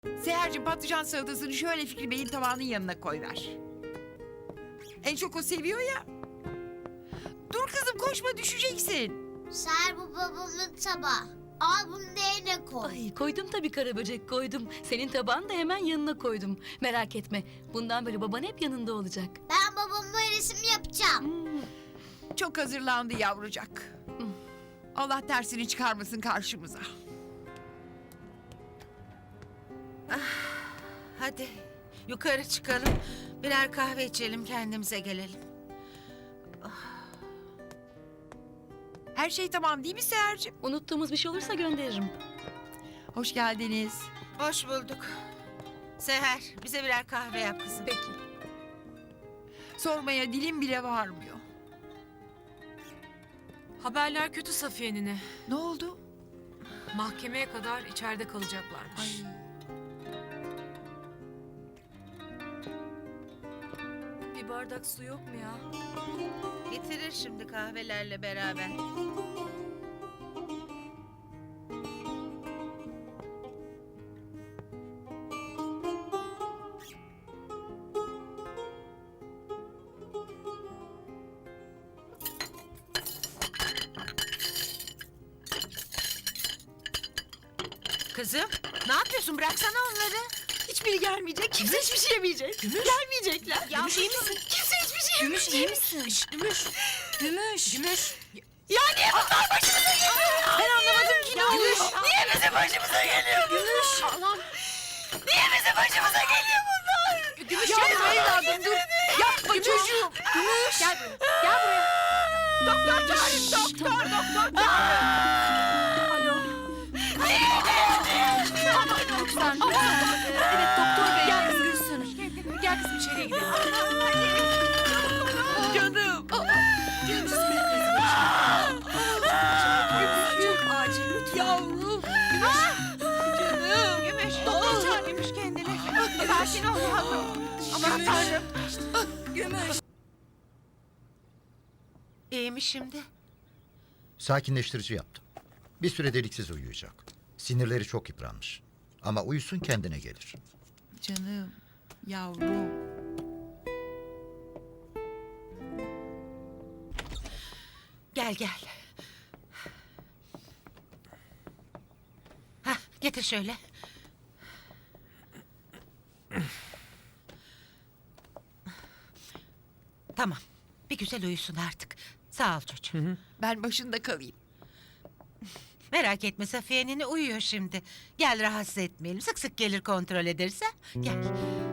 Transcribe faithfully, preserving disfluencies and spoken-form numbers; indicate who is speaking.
Speaker 1: Seher'cim patlıcan salatasını şöyle Fikri Bey'in tabağının yanına koyver. En çok o seviyor ya. Dur kızım koşma düşeceksin.
Speaker 2: Seher bu babamın tabağı. Al bunu da yerine koy.
Speaker 3: Ay koydum tabii Karaböcek koydum. Senin tabağını da hemen yanına koydum. Merak etme. Bundan böyle baban hep yanında olacak.
Speaker 2: Ben babamla resim yapacağım.
Speaker 3: Hmm.
Speaker 1: Çok hazırlandı yavrucak. Allah tersini çıkarmasın karşımıza.
Speaker 4: Hadi yukarı çıkalım. Birer kahve içelim, kendimize gelelim.
Speaker 1: Her şey tamam değil mi Seher'cim?
Speaker 3: Unuttuğumuz bir şey olursa gönderirim.
Speaker 1: Hoş geldiniz.
Speaker 4: Hoş bulduk. Seher, bize birer kahve yap kızım.
Speaker 3: Peki.
Speaker 1: Sormaya dilim bile varmıyor.
Speaker 5: Haberler kötü Safiye nine.
Speaker 1: Ne oldu?
Speaker 5: Mahkemeye kadar içeride kalacaklarmış. Bir bardak su yok mu ya?
Speaker 4: Getirir şimdi kahvelerle beraber. Kızım, ne yapıyorsun? Bıraksana onları.
Speaker 3: Hiçbiri gelmeyecek. Kimse hiçbir şey yemeyecek. Gelmeyecekler.
Speaker 4: Gümüş iyi misin?
Speaker 3: Kimse hiçbir şey
Speaker 5: Gümüş iyi misin? Gümüş. Gümüş. Gümüş.
Speaker 3: Ya niye bunlar başımıza geliyor? Ben anlamadım ki.
Speaker 5: Gümüş.
Speaker 3: Niye bizim başımıza geliyor?
Speaker 5: Gümüş. Allah'ım.
Speaker 3: Niye bizim başımıza geliyor bunlar?
Speaker 5: Gümüş
Speaker 1: Yapma
Speaker 5: yapma.
Speaker 1: evladım dur. Yapma çocuğum.
Speaker 5: Gümüş. Gel buraya. Gel buraya.
Speaker 1: Doktor çağırın doktor doktor.
Speaker 5: Alo. Lütfen. Evet doktor bey. Gel kızım Gülsün. Gel kızım içeriye gidelim.
Speaker 1: Canım.
Speaker 5: Gümüş. Çok acil lütfen.
Speaker 1: Yavrum.
Speaker 4: Canım. Gümüş, doktor çağır Gümüş kendine. Sakin ol yavrum. Aman tanrım.
Speaker 5: Gümüş.
Speaker 4: İyi mi şimdi?
Speaker 6: Sakinleştirici yaptım. Bir süre deliksiz uyuyacak. Sinirleri çok yıpranmış. Ama uyusun kendine gelir.
Speaker 1: Canım. Yavrum.
Speaker 4: Gel gel. Hah, getir şöyle. Tamam. Bir güzel uyusun artık. Sağ ol çocuğum.
Speaker 1: Ben başında kalayım.
Speaker 4: Merak etme Safiye nene uyuyor şimdi. Gel rahatsız etmeyelim. Sık sık gelir kontrol ederse. Gel.